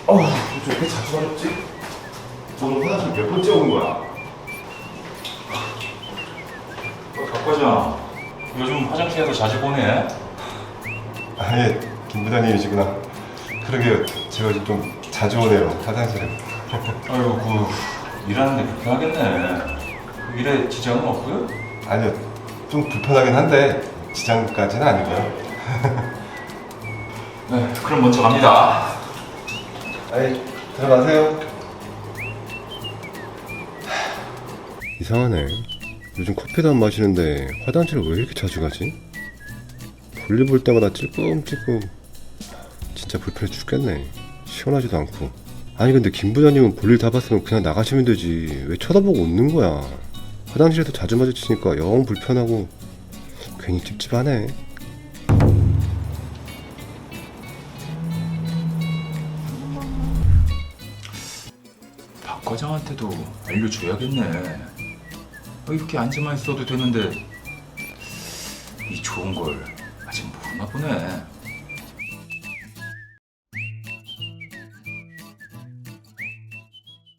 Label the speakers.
Speaker 1: 왜 이렇게 자주 가렵지? 오늘 화장실 몇 번째 오는 거야?
Speaker 2: 박 과장, 요즘 화장실에서 자주 보네.
Speaker 1: 예, 김 부장님이시구나. 그러게요, 제가 요즘 좀 자주 오네요, 화장실에.
Speaker 2: 아유, 일하는데 불편하겠네. 일에 지장은 없고요?
Speaker 1: 아니요, 좀 불편하긴 한데 지장까지는 아니고요.
Speaker 2: 네, 그럼 먼저 갑니다.
Speaker 1: 아이, 들어가세요. 이상하네. 요즘 커피도 안 마시는데 화장실을 왜 이렇게 자주 가지? 볼일 볼 때마다 찔끔찔끔. 진짜 불편해 죽겠네. 시원하지도 않고. 아니 근데 김 부장님은 볼일 다 봤으면 그냥 나가시면 되지. 왜 쳐다보고 웃는 거야? 화장실에서 자주 마주치니까 영 불편하고 괜히 찝찝하네.
Speaker 2: 박 과장한테도 알려줘야겠네. 이렇게 앉아만 있어도 되는데 이 좋은 걸 아직 모르나 보네.